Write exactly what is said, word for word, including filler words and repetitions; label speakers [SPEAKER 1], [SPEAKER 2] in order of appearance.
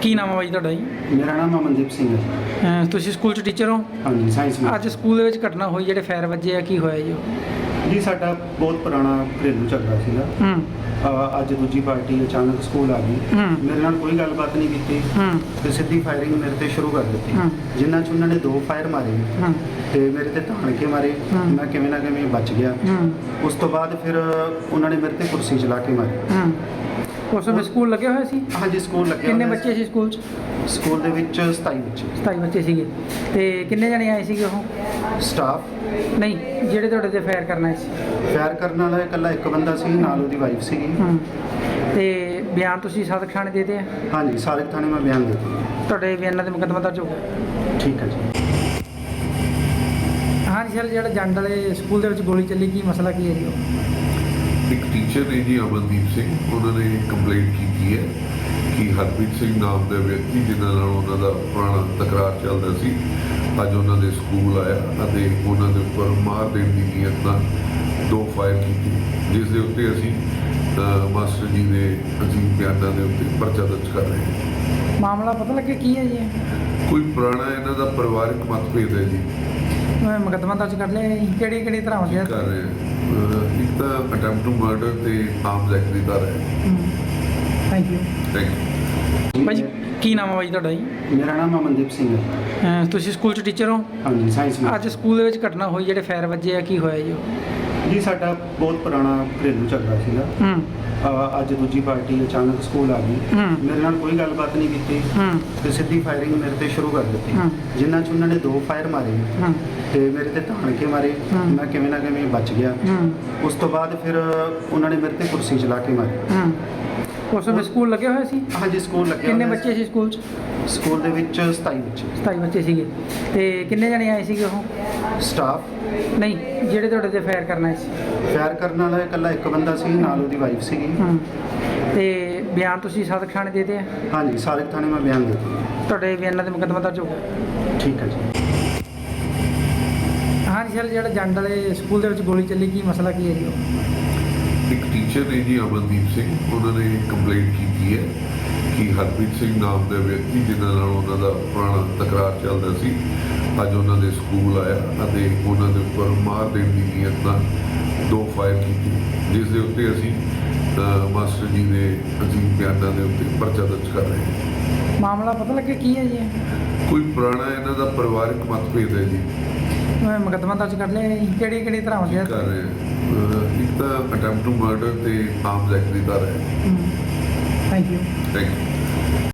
[SPEAKER 1] ਕੀ ਨਾਮ ਹੈ ਬਾਈ ਤੁਹਾਡਾ ਜੀ?
[SPEAKER 2] ਮੇਰਾ ਨਾਮ ਅਮਨਦੀਪ ਸਿੰਘ ਹੈ ਜੀ।
[SPEAKER 1] ਅਹ ਤੁਸੀਂ ਸਕੂਲ 'ਚ ਟੀਚਰ ਹੋ?
[SPEAKER 2] ਹਾਂਜੀ, ਸਾਇੰਸ ਵਿੱਚ।
[SPEAKER 1] ਅੱਜ ਸਕੂਲ ਦੇ ਵਿੱਚ ਘਟਨਾ ਹੋਈ ਜਿਹੜੇ ਫਾਇਰ ਵੱਜੇ ਆ, ਕੀ ਹੋਇਆ ਜੀ ਉਹ?
[SPEAKER 2] ਜੀ ਸਾਡਾ ਬਹੁਤ ਪੁਰਾਣਾ ਘਰੇਲੂ ਝਗੜਾ ਸੀਗਾ।
[SPEAKER 1] ਹੂੰ
[SPEAKER 2] ਅ, ਅੱਜ ਦੂਜੀ ਪਾਰਟੀ ਅਚਾਨਕ ਸਕੂਲ ਆ ਗਈ।
[SPEAKER 1] ਹੂੰ
[SPEAKER 2] ਮੇਰੇ ਨਾਲ ਕੋਈ ਗੱਲਬਾਤ ਨਹੀਂ ਕੀਤੀ
[SPEAKER 1] ਹੂੰ
[SPEAKER 2] ਤੇ ਸਿੱਧੀ ਫਾਇਰਿੰਗ ਮੇਰੇ ਤੇ ਸ਼ੁਰੂ ਕਰ ਦਿੱਤੀ,
[SPEAKER 1] ਹੂੰ।
[SPEAKER 2] ਜਿਨ੍ਹਾਂ 'ਚ ਉਹਨਾਂ ਨੇ ਦੋ ਫਾਇਰ ਮਾਰੇ
[SPEAKER 1] ਹੂੰ
[SPEAKER 2] ਤੇ ਮੇਰੇ ਤੇ ਧਾਣ ਕੇ ਮਾਰੇ।
[SPEAKER 1] ਹੂੰ।
[SPEAKER 2] ਮੈਂ ਕਿਵੇਂ ਨਾ ਕਿਵੇਂ ਬਚ ਗਿਆ।
[SPEAKER 1] ਹੂੰ
[SPEAKER 2] ਉਸ ਤੋਂ ਬਾਅਦ ਫਿਰ ਉਹਨਾਂ ਨੇ ਮੇਰੇ ਤੇ ਕੁਰਸੀ ਚਲਾ ਕੇ ਮਾਰੀ।
[SPEAKER 1] ਹੂੰ ਉਸ ਵੇਲੇ ਸਕੂਲ ਲੱਗਿਆ ਹੋਇਆ ਸੀ?
[SPEAKER 2] ਹਾਂਜੀ, ਸਕੂਲ ਲੱਗਿਆ
[SPEAKER 1] ਕਿੰਨੇ
[SPEAKER 2] ਹੋਇਆ
[SPEAKER 1] ਬੱਚੇ ਸੀ ਸਕੂਲ 'ਚ?
[SPEAKER 2] ਸੀ। ਸਕੂਲ ਦੇ ਵਿੱਚ ਸਤਾਈ ਬੱਚੇ।
[SPEAKER 1] ਸਤਾਈ ਬੱਚੇ ਸੀਗੇ ਤੇ ਕਿੰਨੇ ਜਣੇ ਆਏ ਸੀਗੇ ਉਹ?
[SPEAKER 2] ਸਟਾਫ
[SPEAKER 1] ਨਹੀਂ, ਜਿਹੜੇ ਤੁਹਾਡੇ ਤੇ ਫਾਇਰ ਕਰਨਾ ਸੀ?
[SPEAKER 2] ਫਾਇਰ ਕਰਨ ਵਾਲਾ ਇਕੱਲਾ ਇੱਕ ਬੰਦਾ ਸੀ, ਨਾਲ ਉਹਦੀ ਵਾਈਫ ਸੀਗੀ।
[SPEAKER 1] ਹੂੰ ਤੇ ਬਿਆਨ ਤੁਸੀਂ ਸਦਕ ਥਾਣੇ ਦੇ ਦਿੱਤੇ ਆ?
[SPEAKER 2] ਹਾਂਜੀ, ਸਾਰੇ ਥਾਣੇ ਮੈਂ ਬਿਆਨ ਦੇ ਦਿੱਤਾ।
[SPEAKER 1] ਤੁਹਾਡੇ ਬਿਆਨਾਂ ਦੇ ਮੁਕੱਦਮਾ ਦਰਜ ਹੋ ਗਿਆ?
[SPEAKER 2] ਠੀਕ ਹੈ ਜੀ।
[SPEAKER 1] ਹਾਂਜੀ ਸਰ, ਜਿਹੜਾ ਜੰਡ ਵਾਲੇ ਸਕੂਲ ਦੇ ਵਿੱਚ ਗੋਲੀ ਚੱਲੀ, ਕੀ ਮਸਲਾ ਕੀ ਹੈ ਜੀ ਉਹ?
[SPEAKER 3] ਇੱਕ ਟੀਚਰ ਨੇ ਜੀ ਅਮਨਦੀਪ ਸਿੰਘ, ਉਹਨਾਂ ਨੇ ਕੰਪਲੇਂਟ ਕੀਤੀ ਹੈ ਕਿ ਹਰਪ੍ਰੀਤ ਸਿੰਘ ਨਾਮ ਦਾ ਵਿਅਕਤੀ ਜਿਨ੍ਹਾਂ ਨਾਲ ਉਹਨਾਂ ਦਾ ਪੁਰਾਣਾ ਤਕਰਾਰ ਚੱਲਦਾ ਸੀ, ਅੱਜ ਉਹਨਾਂ ਦੇ ਸਕੂਲ ਆਇਆ ਅਤੇ ਉਹਨਾਂ ਦੇ ਉੱਪਰ ਮਾਰ ਦੇਣ ਦੀ ਨੀਅਤ ਨਾਲ ਦੋ ਫਾਇਰ ਕੀਤੀ, ਜਿਸ ਦੇ ਉੱਤੇ ਅਸੀਂ ਅ, ਮਾਸਟਰ ਜੀ ਦੇ ਅਜੀਬ ਬਿਆਨਾਂ ਦੇ ਉੱਤੇ ਪਰਚਾ ਦਰਜ ਕਰ ਰਹੇ ਹਾਂ।
[SPEAKER 1] ਮਾਮਲਾ ਪਤਾ ਲੱਗਿਆ ਕੀ ਹੈ ਜੀ?
[SPEAKER 3] ਕੋਈ ਪੁਰਾਣਾ ਇਹਨਾਂ ਦਾ ਪਰਿਵਾਰਕ ਮਤਭੇਦ ਹੈ ਜੀ,
[SPEAKER 1] ਮੈਂ ਮੁਕੱਦਮਾ ਦਰਜ ਕਰ ਲਿਆ ਜੀ। ਕਿਹੜੀ ਕਿਹੜੀ ਧਾਰਾਵਾਂ ਦੇ?
[SPEAKER 3] ਕਰ ਰਹੇ ਹਾਂ। ਅ, ਇੱਕ ਤਾਂ ਅਟੈਂਪਟ ਟੂ ਮਰਡਰ ਤੇ ਆਰਮਸ ਐਕਟ ਦੀ ਧਾਰਾ ਹੈ।
[SPEAKER 1] Thank you.
[SPEAKER 3] Thank you.
[SPEAKER 1] ਬਾਈ ਜੀ, ਕੀ ਨਾਮ ਹੈ ਬਾਈ ਤੁਹਾਡਾ ਜੀ?
[SPEAKER 2] ਮੇਰਾ ਨਾਮ ਅਮਨਦੀਪ ਸਿੰਘ ਹੈ।
[SPEAKER 1] ਅਹ ਤੁਸੀਂ ਸਕੂਲ 'ਚ ਟੀਚਰ ਹੋ?
[SPEAKER 2] ਹਾਂਜੀ, ਸਾਇੰਸ ਵਿੱਚ।
[SPEAKER 1] ਅੱਜ ਸਕੂਲ ਦੇ ਵਿੱਚ ਘਟਨਾ ਹੋਈ ਜਿਹੜੇ ਫਾਇਰ ਵੱਜੇ ਆ, ਕੀ ਹੋਇਆ ਜੀ ਉਹ?
[SPEAKER 2] ਜੀ ਸਾਡਾ ਬਹੁਤ ਪੁਰਾਣਾ ਘਰੇਲੂ ਝਗੜਾ ਸੀਗਾ।
[SPEAKER 1] ਹੂੰ
[SPEAKER 2] ਅ, ਅੱਜ ਦੂਜੀ ਪਾਰਟੀ ਅਚਾਨਕ ਸਕੂਲ ਆ ਗਈ।
[SPEAKER 1] ਹੂੰ
[SPEAKER 2] ਮੇਰੇ ਨਾਲ ਕੋਈ ਗੱਲਬਾਤ ਨਹੀਂ ਕੀਤੀ
[SPEAKER 1] ਹੂੰ
[SPEAKER 2] ਤੇ ਸਿੱਧੀ ਫਾਇਰਿੰਗ ਮੇਰੇ ਤੇ ਸ਼ੁਰੂ ਕਰ ਦਿੱਤੀ,
[SPEAKER 1] ਹੂੰ।
[SPEAKER 2] ਜਿਨ੍ਹਾਂ 'ਚ ਉਹਨਾਂ ਨੇ ਦੋ ਫਾਇਰ ਮਾਰੇ
[SPEAKER 1] ਹੂੰ
[SPEAKER 2] ਤੇ ਮੇਰੇ ਤੇ ਧਾਣ ਕੇ ਮਾਰੇ।
[SPEAKER 1] ਹੂੰ।
[SPEAKER 2] ਮੈਂ ਕਿਵੇਂ ਨਾ ਕਿਵੇਂ ਬਚ ਗਿਆ।
[SPEAKER 1] ਹੂੰ
[SPEAKER 2] ਉਸ ਤੋਂ ਬਾਅਦ ਫਿਰ ਉਹਨਾਂ ਨੇ ਮੇਰੇ ਤੇ ਕੁਰਸੀ ਚਲਾ ਕੇ ਮਾਰੀ।
[SPEAKER 1] ਹੂੰ ਉਸ ਵੇਲੇ ਸਕੂਲ ਲੱਗਿਆ ਹੋਇਆ ਸੀ?
[SPEAKER 2] ਹਾਂਜੀ, ਸਕੂਲ ਲੱਗਿਆ
[SPEAKER 1] ਕਿੰਨੇ
[SPEAKER 2] ਹੋਇਆ
[SPEAKER 1] ਬੱਚੇ ਸੀ ਸਕੂਲ 'ਚ?
[SPEAKER 2] ਸੀ। ਸਕੂਲ ਦੇ ਵਿੱਚ ਸਤਾਈ ਬੱਚੇ।
[SPEAKER 1] ਸਤਾਈ ਬੱਚੇ ਸੀਗੇ ਤੇ ਕਿੰਨੇ ਜਣੇ ਆਏ ਸੀਗੇ ਉਹ?
[SPEAKER 2] ਸਟਾਫ
[SPEAKER 1] ਨਹੀਂ, ਜਿਹੜੇ ਤੁਹਾਡੇ ਤੇ ਫਾਇਰ ਕਰਨਾ ਸੀ?
[SPEAKER 2] ਫਾਇਰ ਕਰਨ ਵਾਲਾ ਇਕੱਲਾ ਇੱਕ ਬੰਦਾ ਸੀ, ਨਾਲ ਉਹਦੀ ਵਾਈਫ ਸੀਗੀ।
[SPEAKER 1] ਹੂੰ ਤੇ ਬਿਆਨ ਤੁਸੀਂ ਸਦਕ ਥਾਣੇ ਦੇ ਦਿੱਤੇ ਆ?
[SPEAKER 2] ਹਾਂਜੀ, ਸਾਰੇ ਥਾਣੇ ਮੈਂ ਬਿਆਨ ਦੇ ਦਿੱਤਾ।
[SPEAKER 1] ਤੁਹਾਡੇ ਬਿਆਨਾਂ ਦੇ ਮੁਕੱਦਮਾ ਦਰਜ ਹੋ ਗਿਆ?
[SPEAKER 2] ਠੀਕ ਹੈ ਜੀ।
[SPEAKER 1] ਹਾਂਜੀ ਸਰ, ਜਿਹੜਾ ਜੰਡ ਵਾਲੇ ਸਕੂਲ ਦੇ ਵਿੱਚ ਗੋਲੀ ਚੱਲੀ, ਕੀ ਮਸਲਾ ਕੀ ਹੈ ਜੀ ਉਹ?
[SPEAKER 3] ਇੱਕ ਟੀਚਰ ਨੇ ਜੀ ਅਮਨਦੀਪ ਸਿੰਘ, ਉਹਨਾਂ ਨੇ ਕੰਪਲੇਂਟ ਕੀਤੀ ਹੈ ਕਿ ਹਰਪ੍ਰੀਤ ਸਿੰਘ ਨਾਮ ਦਾ ਵਿਅਕਤੀ ਜਿਨ੍ਹਾਂ ਨਾਲ ਉਹਨਾਂ ਦਾ ਪੁਰਾਣਾ ਤਕਰਾਰ ਚੱਲਦਾ ਸੀ, ਅੱਜ ਉਹਨਾਂ ਦੇ ਸਕੂਲ ਆਇਆ ਅਤੇ ਉਹਨਾਂ ਦੇ ਉੱਪਰ ਮਾਰ ਦੇਣ ਦੀ ਨੀਅਤ ਨਾਲ ਦੋ ਫਾਇਰ ਕੀਤੀ, ਜਿਸ ਦੇ ਉੱਤੇ ਅਸੀਂ ਅ, ਮਾਸਟਰ ਜੀ ਦੇ ਅਜੀਬ ਬਿਆਨਾਂ ਦੇ ਉੱਤੇ ਪਰਚਾ ਦਰਜ ਕਰ ਰਹੇ ਹਾਂ।
[SPEAKER 1] ਮਾਮਲਾ ਪਤਾ ਲੱਗਿਆ ਕੀ ਹੈ ਜੀ?
[SPEAKER 3] ਕੋਈ ਪੁਰਾਣਾ ਇਹਨਾਂ ਦਾ ਪਰਿਵਾਰਕ ਮਤਭੇਦ ਹੈ ਜੀ,
[SPEAKER 1] ਮੈਂ ਮੁਕੱਦਮਾ ਦਰਜ ਕਰ ਲਿਆ ਜੀ। ਕਿਹੜੀ ਕਿਹੜੀ ਧਾਰਾਵਾਂ ਦੇ?
[SPEAKER 3] ਕਰ ਰਹੇ ਹਾਂ। ਅ, ਇੱਕ ਤਾਂ ਅਟੈਂਪਟ ਟੂ ਮਰਡਰ ਤੇ ਆਰਮਸ ਐਕਟ ਦੀ ਧਾਰਾ ਹੈ।
[SPEAKER 1] Thank you.
[SPEAKER 3] Thank you.